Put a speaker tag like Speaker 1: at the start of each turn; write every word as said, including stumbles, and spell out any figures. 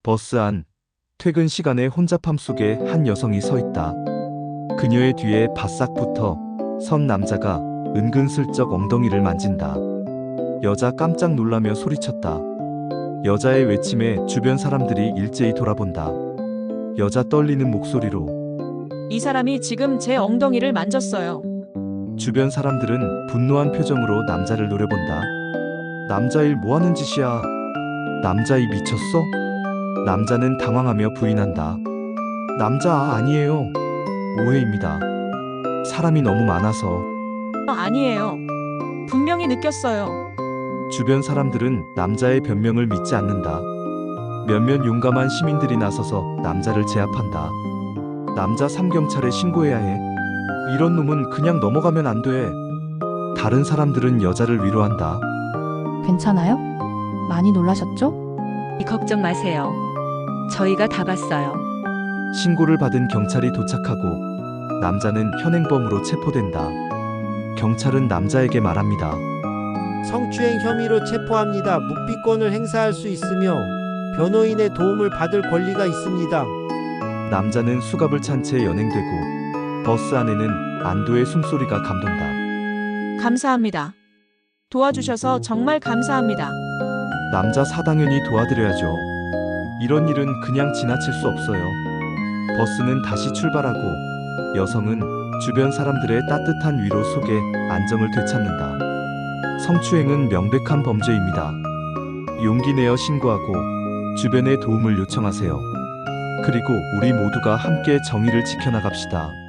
Speaker 1: 버스 안, 퇴근 시간의 혼잡함 속에 한 여성이 서 있다. 그녀의 뒤에 바싹 붙어 선 남자가 은근슬쩍 엉덩이를 만진다. 여자 깜짝 놀라며 소리쳤다. 여자의 외침에 주변 사람들이 일제히 돌아본다. 여자 떨리는 목소리로
Speaker 2: 이 사람이 지금 제 엉덩이를 만졌어요.
Speaker 1: 주변 사람들은 분노한 표정으로 남자를 노려본다. 남자일 뭐하는 짓이야? 남자이 미쳤어? 남자는 당황하며 부인한다. 남자 아니에요. 오해입니다. 사람이 너무 많아서.
Speaker 2: 아니에요. 분명히 느꼈어요.
Speaker 1: 주변 사람들은 남자의 변명을 믿지 않는다. 몇몇 용감한 시민들이 나서서 남자를 제압한다. 남자 삼경찰에 신고해야 해. 이런 놈은 그냥 넘어가면 안 돼. 다른 사람들은 여자를 위로한다.
Speaker 3: 괜찮아요? 많이 놀라셨죠?
Speaker 4: 걱정 마세요. 저희가 다 봤어요.
Speaker 1: 신고를 받은 경찰이 도착하고 남자는 현행범으로 체포된다. 경찰은 남자에게 말합니다.
Speaker 5: 성추행 혐의로 체포합니다. 묵비권을 행사할 수 있으며 변호인의 도움을 받을 권리가 있습니다.
Speaker 1: 남자는 수갑을 찬 채 연행되고 버스 안에는 안도의 숨소리가 감돈다.
Speaker 2: 감사합니다. 도와주셔서 정말 감사합니다.
Speaker 1: 남자 사당연히 도와드려야죠. 이런 일은 그냥 지나칠 수 없어요. 버스는 다시 출발하고 여성은 주변 사람들의 따뜻한 위로 속에 안정을 되찾는다. 성추행은 명백한 범죄입니다. 용기 내어 신고하고 주변의 도움을 요청하세요. 그리고 우리 모두가 함께 정의를 지켜나갑시다.